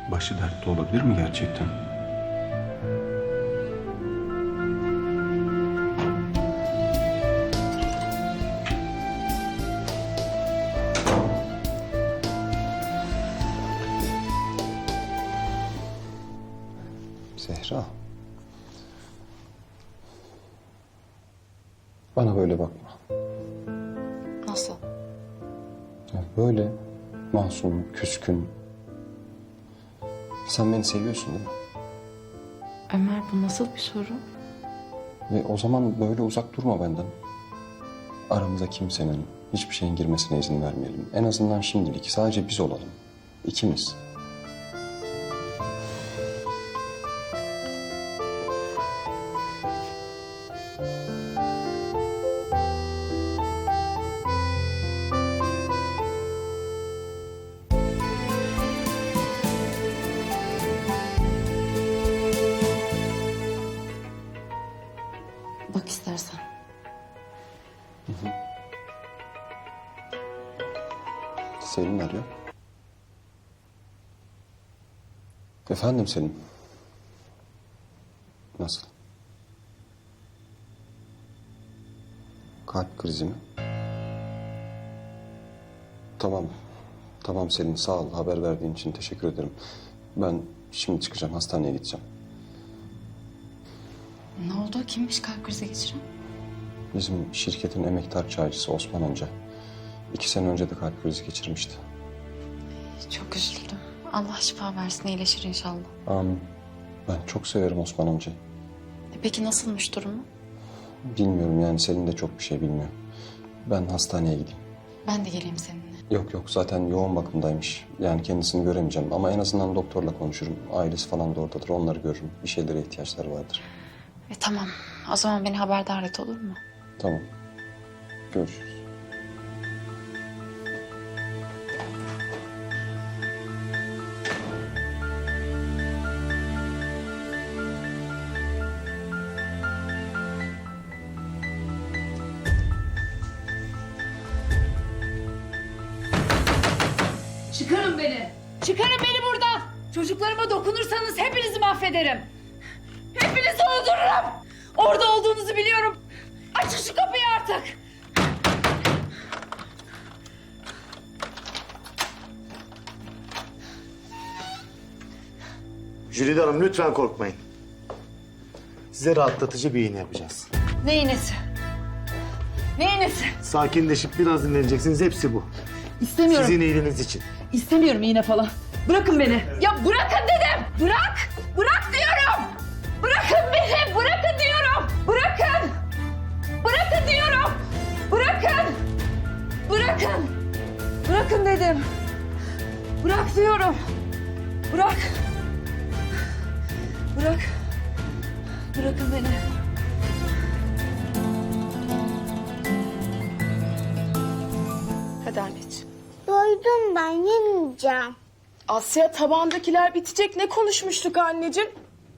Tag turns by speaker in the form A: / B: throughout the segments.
A: Başı dertte olabilir mi gerçekten? Zehra. Bana böyle bakma.
B: Nasıl?
A: Ya böyle masum, küskün. Sen beni seviyorsun değil mi?
B: Ömer, bu nasıl bir soru?
A: Ve o zaman böyle uzak durma benden. Aramıza kimsenin, hiçbir şeyin girmesine izin vermeyelim. En azından şimdilik sadece biz olalım. İkimiz.
B: Bak istersen.
A: Selin arıyor. Efendim Selin. Nasıl? Kalp krizi mi? Tamam. Tamam Selin, sağ ol. Haber verdiğin için teşekkür ederim. Ben şimdi çıkacağım, hastaneye gideceğim.
B: Ne oldu? Kimmiş kalp krizi geçiren?
A: Bizim şirketin emektar çaycısı Osman amca. 2 sene önce de kalp krizi geçirmişti.
B: Çok üzüldüm. Allah şifa versin, iyileşir inşallah.
A: Amin. Ben çok severim Osman amcayı.
B: Peki nasılmış durumu?
A: Bilmiyorum yani, Selin de çok bir şey bilmiyor. Ben hastaneye gideyim.
B: Ben de geleyim seninle.
A: Yok yok, zaten yoğun bakımdaymış. Yani kendisini göremeyeceğim ama en azından doktorla konuşurum. Ailesi falan da oradadır, onları görürüm. Bir şeylere ihtiyaçları vardır.
B: Tamam. O zaman beni haberdar et, olur mu?
A: Tamam. Görüşürüz.
C: Çıkarın beni. Çıkarın beni buradan. Çocuklarıma dokunursanız hepinizi mahvederim. Hepinizi öldürürüm. Orada olduğunuzu biliyorum. Açın şu kapıyı artık.
D: Jülide Hanım lütfen korkmayın. Size rahatlatıcı bir iğne yapacağız.
C: Ne iğnesi? Ne iğnesi?
D: Sakinleşip biraz dinleneceksiniz. Hepsi bu.
C: İstemiyorum.
D: Sizin iyiliğiniz için.
C: İstemiyorum iğne falan. Bırakın beni. Ya bırakın dedim. Bırak. Bırak diyorum. Bırakın beni. Bırakın diyorum. Bırakın. Bırakın diyorum. Bırakın. Bırakın. Bırakın dedim. Bırak diyorum. Bırak. Bırak. Bırakın beni.
E: Hadi anneciğim.
F: Doydum ben yemeyeceğim.
E: Asya, tabandakiler bitecek. Ne konuşmuştuk anneciğim?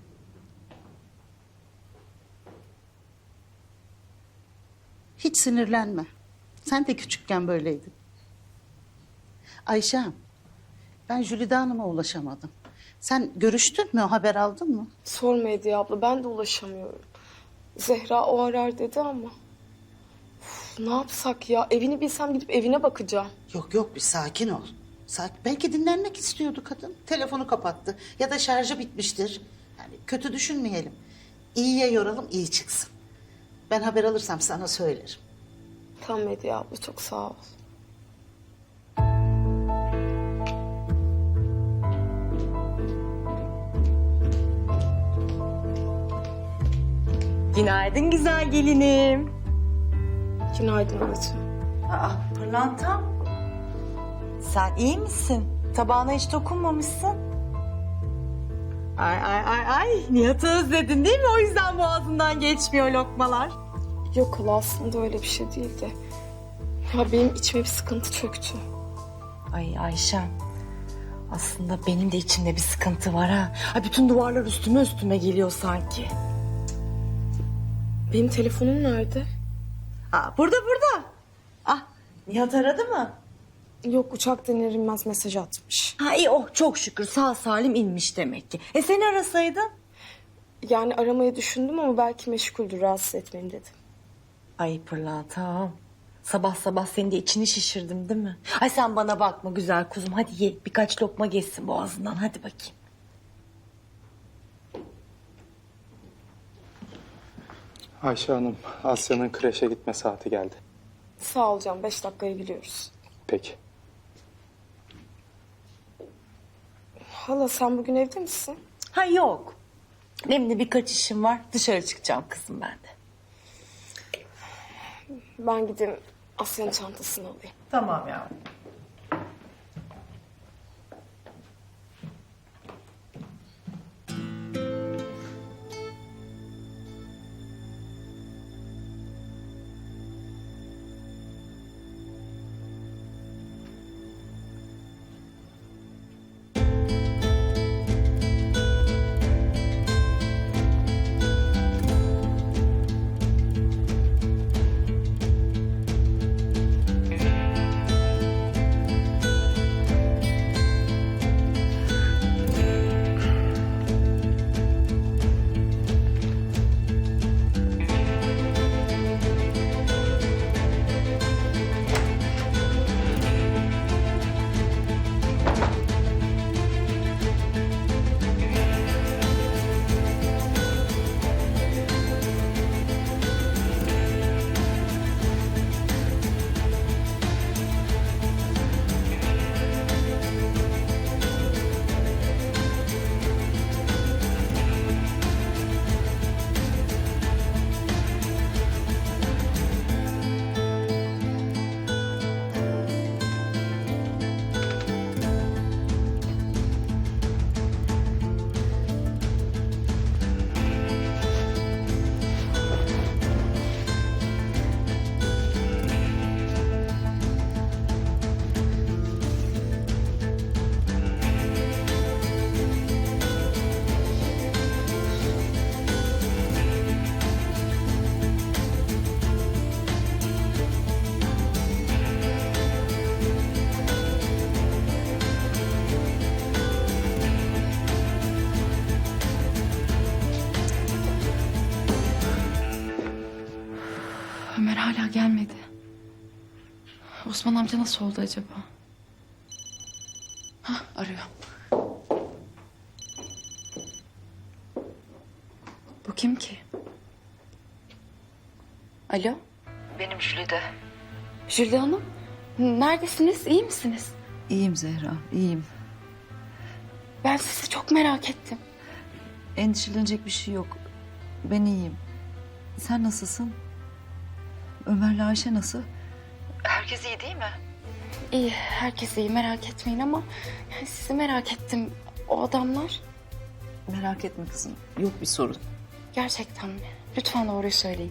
G: Hiç sinirlenme. Sen de küçükken böyleydin. Ayşem, ben Jülide Hanım'a ulaşamadım. Sen görüştün mü, haber aldın mı?
E: Sorma Hediye abla, ben de ulaşamıyorum. Zehra o arar dedi ama. Uf, ne yapsak ya? Evini bilsem gidip evine bakacağım.
G: Yok yok, bir sakin ol. Belki dinlenmek istiyordu kadın. Telefonu kapattı ya da şarjı bitmiştir. Yani kötü düşünmeyelim. İyiye yoralım, iyi çıksın. Ben haber alırsam sana söylerim.
E: Tamam Hediye abla, çok sağ ol.
H: Günaydın güzel gelinim.
E: Günaydın anacığım.
H: Aa, pırlantam. Sen iyi misin? Tabağına hiç dokunmamışsın. Ay. Nihat'ı özledin değil mi? O yüzden boğazından geçmiyor lokmalar.
E: Yok hala, aslında öyle bir şey değil de. Ya benim içime bir sıkıntı çöktü.
H: Ay Ayşem. Aslında benim de içimde bir sıkıntı var ha. Ay, bütün duvarlar üstüme geliyor sanki.
E: Benim telefonum nerede?
H: Aa, burada. Ah, Nihat aradı mı?
E: Yok, uçaktan iner inmez mesaj atmış.
H: Ha iyi, oh çok şükür sağ salim inmiş demek ki. Seni arasaydın?
E: Yani aramayı düşündüm ama belki meşguldür, rahatsız etmeyin dedim.
H: Ay pırlantam. Sabah sabah senin de içini şişirdim değil mi? Ay sen bana bakma güzel kuzum. Hadi ye, birkaç lokma geçsin boğazından. Hadi bakayım.
I: Ayşe Hanım, Asya'nın kreşe gitme saati geldi.
E: Sağ ol canım, 5 dakikaya gidiyoruz.
I: Peki.
E: Hala sen bugün evde misin?
H: Ha yok. Benim de birkaç işim var. Dışarı çıkacağım kızım ben de.
E: Ben gideyim Asya'nın çantasını alayım.
H: Tamam yavrum.
B: Ömer hala gelmedi. Osman amca nasıl oldu acaba? Hah, arıyor. Bu kim ki? Alo?
J: Benim Jülide.
B: Jülde Hanım. Neredesiniz? İyi misiniz?
J: İyiyim Zehra, iyiyim.
B: Ben sizi çok merak ettim.
J: Endişelenecek bir şey yok. Ben iyiyim. Sen nasılsın? Ömer'le Ayşe nasıl? Herkes iyi değil mi?
B: İyi, herkes iyi, merak etmeyin ama yani sizi merak ettim. O adamlar
J: Merak etme kızım, yok bir sorun.
B: gerçekten mi? Lütfen doğruyu söyleyin.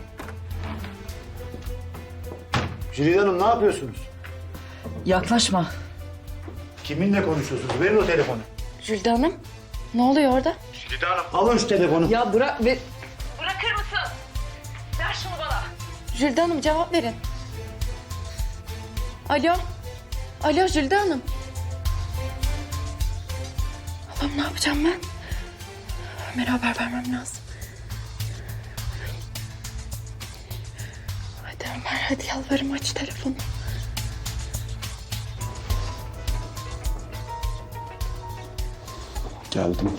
D: Jülide Hanım ne yapıyorsunuz?
J: Yaklaşma.
D: Kiminle konuşuyorsunuz? Verin o telefonu.
B: Jülde Hanım, ne oluyor orada?
D: Alın şu telefonu.
H: Ya bırak ve...
B: Jülde Hanım cevap verin. Alo. Alo Jülde Hanım. Allah'ım ne yapacağım ben? Ömer'e haber vermem lazım. Hadi Ömer, hadi yalvarırım aç telefonu.
A: Geldim.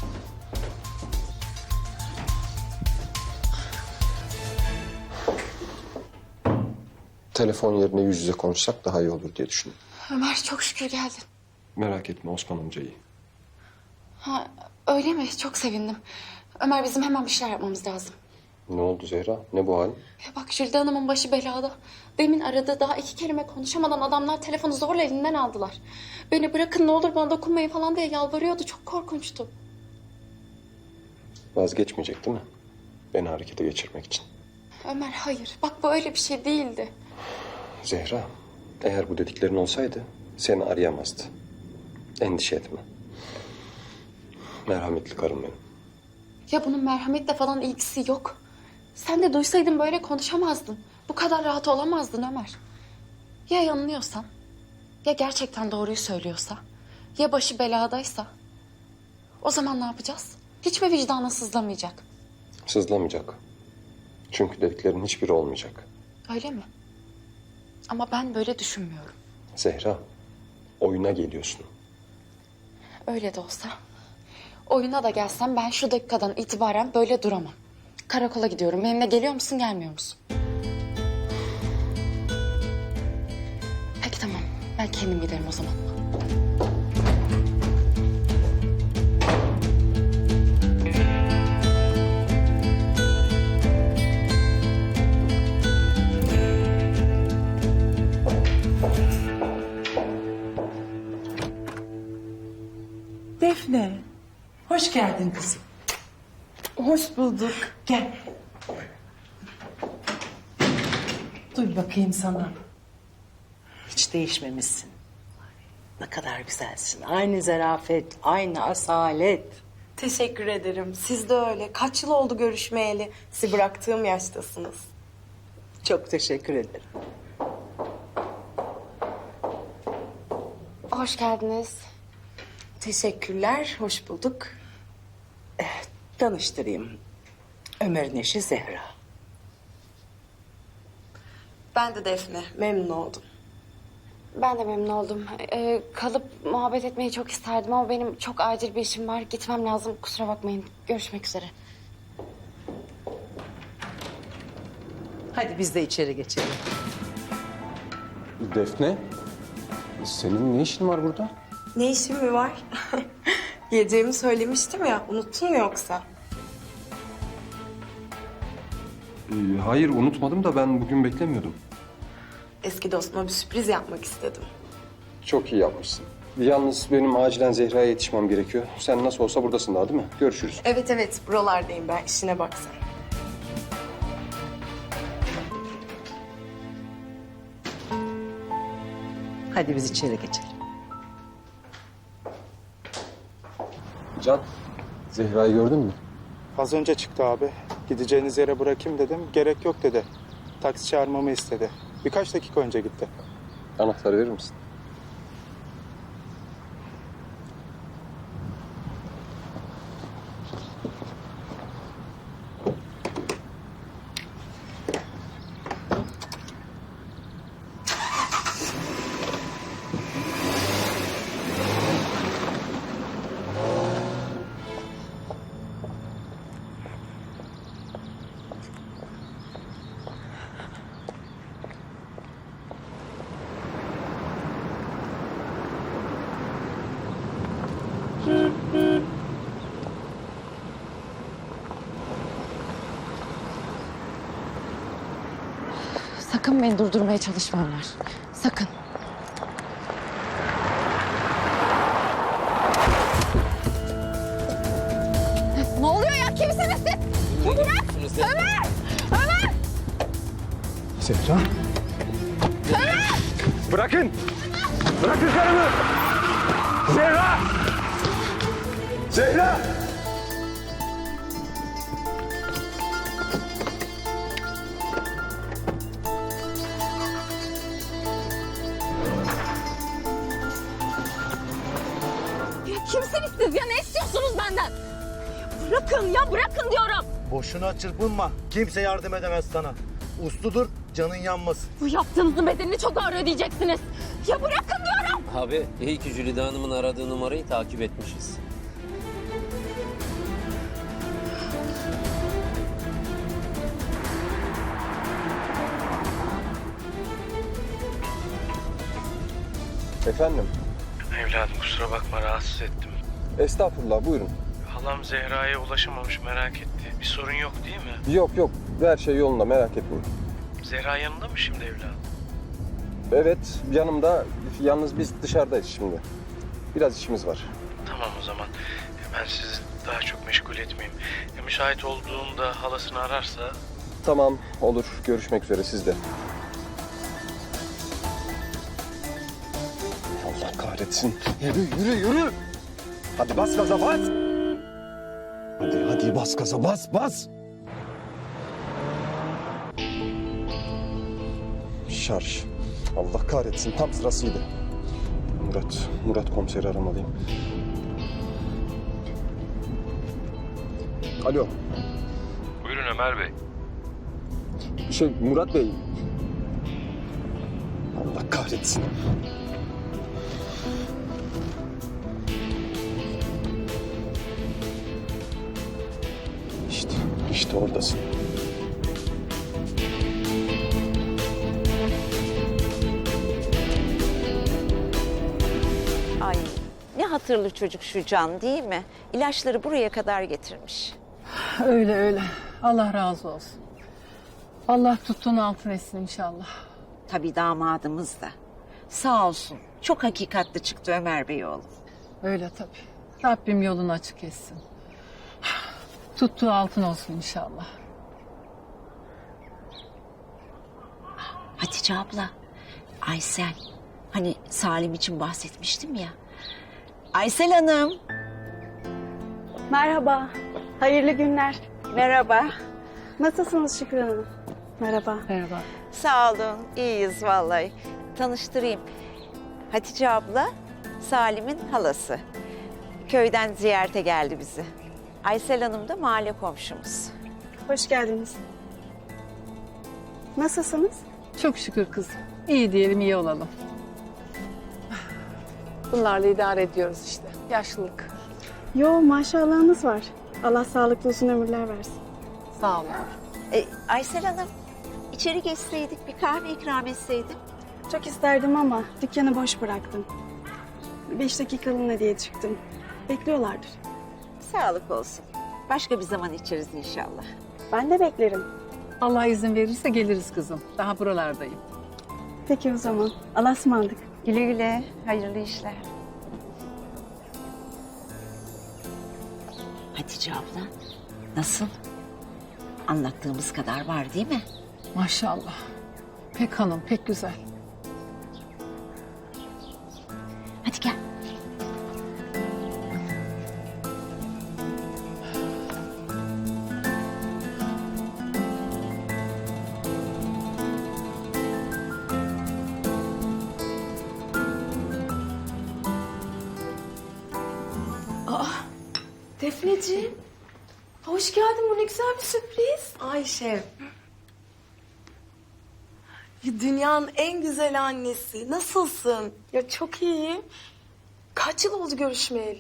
A: Telefon yerine yüz yüze konuşsak daha iyi olur diye düşündüm.
B: Ömer çok şükür geldin.
A: Merak etme, Osman amca iyi.
B: Ha, öyle mi? Çok sevindim. Ömer bizim hemen bir şeyler yapmamız lazım.
A: Ne oldu Zehra? Ne bu halin?
B: Ya bak Jülde Hanım'ın başı belada. Demin aradı, daha 2 kelime konuşamadan adamlar telefonu zorla elinden aldılar. Beni bırakın ne olur bana dokunmayın falan diye yalvarıyordu. Çok korkunçtu.
A: Vazgeçmeyecek değil mi? Beni harekete geçirmek için.
B: Ömer hayır. Bak bu öyle bir şey değildi.
A: Zehra, eğer bu dediklerin olsaydı seni arayamazdı. Endişe etme. Merhametli karım benim.
B: Ya bunun merhametle falan ilgisi yok. Sen de duysaydın böyle konuşamazdın. Bu kadar rahat olamazdın Ömer. Ya yanılıyorsam? Ya gerçekten doğruyu söylüyorsa? Ya başı beladaysa? O zaman ne yapacağız? Hiç mi vicdanı sızlamayacak?
A: Sızlamayacak. Çünkü dediklerinin hiçbiri olmayacak.
B: Öyle mi? Ama ben böyle düşünmüyorum.
A: Zehra, oyuna geliyorsun.
B: Öyle de olsa. Oyuna da gelsem ben şu dakikadan itibaren böyle duramam. Karakola gidiyorum. Benimle geliyor musun, gelmiyor musun? Peki tamam. Ben kendim giderim o zaman.
H: Defne, hoş geldin kızım. Hoş bulduk. Gel. Dur bakayım sana.
G: Hiç değişmemişsin. Ne kadar güzelsin. Aynı zarafet, aynı asalet.
E: Teşekkür ederim. Siz de öyle. Kaç yıl oldu görüşmeyeli? Sizi bıraktığım yaştasınız.
G: Çok teşekkür ederim.
B: Hoş geldiniz.
G: Teşekkürler, hoş bulduk. Tanıştırayım. Ömer'in eşi Zehra.
E: Ben de Defne. Memnun oldum.
B: Ben de memnun oldum. Kalıp muhabbet etmeyi çok isterdim ama benim çok acil bir işim var. Gitmem lazım. Kusura bakmayın. Görüşmek üzere.
G: Hadi biz de içeri geçelim.
A: Defne, senin ne işin var burada?
E: Ne işin mi var? Geleceğimi söylemiştim ya. Unuttun mu yoksa?
A: Hayır, unutmadım da ben bugün beklemiyordum.
E: Eski dostuma bir sürpriz yapmak istedim.
A: Çok iyi yapmışsın. Yalnız benim acilen Zehra'ya yetişmem gerekiyor. Sen nasıl olsa buradasın daha değil mi? Görüşürüz.
E: Evet, buralardayım ben. İşine bak sen.
G: Hadi biz içeri geçelim.
A: Can, Zehra'yı gördün mü?
I: Az önce çıktı abi. Gideceğiniz yere bırakayım dedim. Gerek yok dedi. Taksi çağırmamı istedi. Birkaç dakika önce gitti.
A: Anahtarı verir misin?
B: Sakın beni durdurmaya çalışma Ömer. Sakın. Ne oluyor ya? Kimsiniz siz? Bırak! Ömer! Ömer!
I: Zehra. Bırakın! Bırakın karımı! Zehra! Zehra!
B: Kimsiniz siz ya? Ne istiyorsunuz benden? Bırakın ya, bırakın diyorum.
D: Boşuna çırpınma. Kimse yardım edemez sana. Uslu dur, canın yanmasın.
B: Bu yaptığınızın bedelini çok ağır ödeyeceksiniz. Ya bırakın diyorum.
K: Abi iyi ki Jülide Hanım'ın aradığı numarayı takip etmişiz.
A: Efendim?
L: Evladım kusura bakma rahatsız ettim.
A: Estağfurullah, buyurun.
L: Halam Zehra'ya ulaşamamış merak etti. Bir sorun yok değil mi?
A: Yok, her şey yolunda, merak etmeyin.
L: Zehra yanında mı şimdi evladım?
A: Evet, yanımda. Yalnız biz dışarıdayız şimdi. Biraz işimiz var.
L: Tamam o zaman. Ben sizi daha çok meşgul etmeyeyim. Müsait olduğunda halasını ararsa...
A: Tamam, olur. Görüşmek üzere sizde. Allah kahretsin. Yürü. Hadi bas gaza, bas. Hadi bas gaza, bas. Şarj. Allah kahretsin, tam sırasıydı. Murat komiseri aramalıyım. Alo.
L: Buyurun Ömer Bey.
A: Murat Bey. Allah kahretsin. İşte oradasın.
M: Ay ne hatırlı çocuk şu Can değil mi? İlaçları buraya kadar getirmiş.
C: Öyle öyle. Allah razı olsun. Allah tuttuğunu altın etsin inşallah.
M: Tabii damadımız da. Sağ olsun. Çok hakikatli çıktı Ömer Bey oğlum.
C: Öyle tabii. Rabbim yolunu açık etsin. Tuttuğu altın olsun inşallah.
M: Hatice abla, Aysel. Hani Salim için bahsetmiştim ya. Aysel Hanım.
N: Merhaba, hayırlı günler.
M: Merhaba.
N: Nasılsınız Şükran Hanım? Merhaba.
C: Merhaba.
M: Sağ olun, iyiyiz vallahi. Tanıştırayım. Hatice abla, Salim'in halası. Köyden ziyarete geldi bizi. Aysel Hanım da mahalle komşumuz.
N: Hoş geldiniz. Nasılsınız?
C: Çok şükür kızım. İyi diyelim, iyi olalım. Bunlarla idare ediyoruz işte. Yaşlılık.
N: Yo, maşallahınız var. Allah sağlıklı uzun ömürler versin.
C: Sağ olun.
M: Aysel Hanım, içeri geçseydik, bir kahve ikram etseydim.
N: Çok isterdim ama dükkanı boş bıraktım. 5 dakikalığına diye çıktım. Bekliyorlardır.
M: Sağlık olsun. Başka bir zaman içeriz inşallah.
N: Ben de beklerim.
C: Allah izin verirse geliriz kızım. Daha buralardayım.
N: Peki o zaman. Allah'a ısmarladık.
M: Güle güle, hayırlı işler. Hatice abla, nasıl? Anlattığımız kadar var değil mi?
C: Maşallah. Pek hanım, pek güzel.
M: Hadi gel.
E: Defneciğim, hoş geldin. Bu ne güzel bir sürpriz. Ayşe. Dünyanın en güzel annesi. Nasılsın? Ya çok iyiyim. Kaç yıl oldu görüşmeyeli?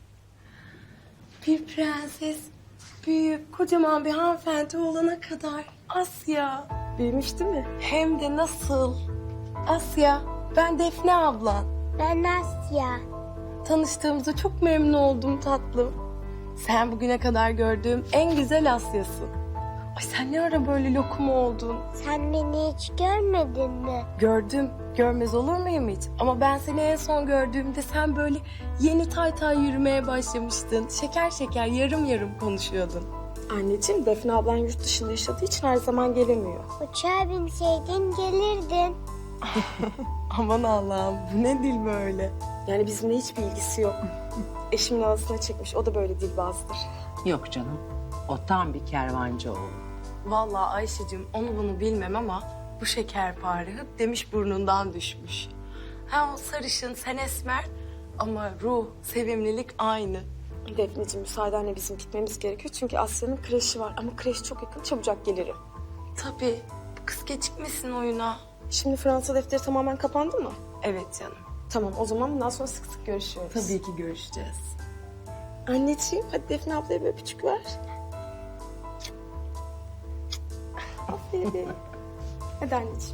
E: Bir prenses büyüyüp kocaman bir hanımefendi olana kadar. Asya. Büyümüş değil mi? Hem de nasıl? Asya, ben Defne ablan.
F: Ben Asya.
E: Tanıştığımıza çok memnun oldum tatlım. Sen bugüne kadar gördüğüm en güzel Asya'sın. Ay sen ne ara böyle lokum oldun?
F: Sen beni hiç görmedin mi?
E: Gördüm. Görmez olur muyum hiç? Ama ben seni en son gördüğümde sen böyle yeni tay tay yürümeye başlamıştın. Şeker şeker yarım yarım konuşuyordun. Anneciğim Defne ablan yurt dışında yaşadığı için her zaman gelemiyor.
F: Uçağa binseydin gelirdin.
E: Aman Allah'ım bu ne dil böyle? Yani bizimle hiçbir ilgisi yok. Eşimin ağzına çekmiş. O da böyle dilbazdır.
O: Yok canım. O tam bir kervancı oğlu.
E: Vallahi Ayşe'cim onu bunu bilmem ama bu şekerpare hıp demiş burnundan düşmüş. Ha o sarışın sen esmer ama ruh, sevimlilik aynı. Defneciğim müsaadenle bizim gitmemiz gerekiyor. Çünkü Asya'nın kreşi var ama kreş çok yakın, çabucak gelirim. Tabii. Kız gecikmesin oyuna. Şimdi Fransa defteri tamamen kapandı mı? Evet canım. Tamam o zaman bundan sonra sık sık görüşüyoruz. Tabii ki görüşeceğiz. Anneciğim hadi Defne ablaya bir öpücük ver. Aferin. Hadi anneciğim.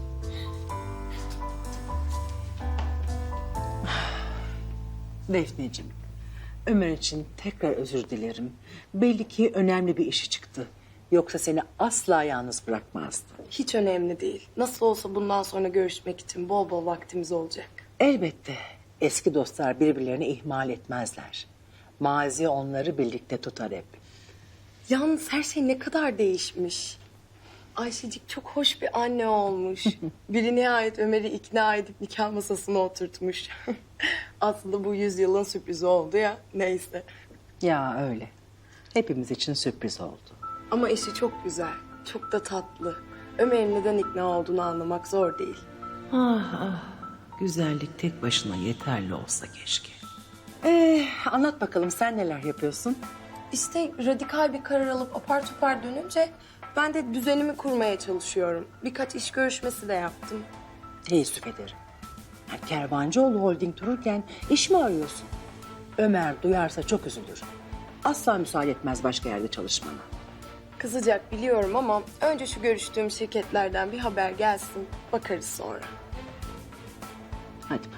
O: Defneciğim, Ömer için tekrar özür dilerim. Belli ki önemli bir işi çıktı. Yoksa seni asla yalnız bırakmazdı.
E: Hiç önemli değil. Nasıl olsa bundan sonra görüşmek için bol bol vaktimiz olacak.
O: Elbette eski dostlar birbirlerini ihmal etmezler. Mazi onları birlikte tutar hep.
E: Yalnız her şey ne kadar değişmiş. Ayşecik çok hoş bir anne olmuş. Biri nihayet Ömer'i ikna edip nikah masasına oturtmuş. Aslında bu yüzyılın sürprizi oldu ya. Neyse.
O: Ya öyle. Hepimiz için sürpriz oldu.
E: Ama eşi çok güzel. Çok da tatlı. Ömer'in neden ikna olduğunu anlamak zor değil.
O: Ah ah. Güzellik tek başına yeterli olsa keşke. Anlat bakalım sen neler yapıyorsun?
E: İşte radikal bir karar alıp apar topar dönünce ben de düzenimi kurmaya çalışıyorum. Birkaç iş görüşmesi de yaptım.
O: Teessüf ederim. Yani Kervancıoğlu Holding dururken iş mi arıyorsun? Ömer duyarsa çok üzülür. Asla müsaade etmez başka yerde çalışmana.
E: Kızacak biliyorum ama önce şu görüştüğüm şirketlerden bir haber gelsin. Bakarız sonra.
O: Hadi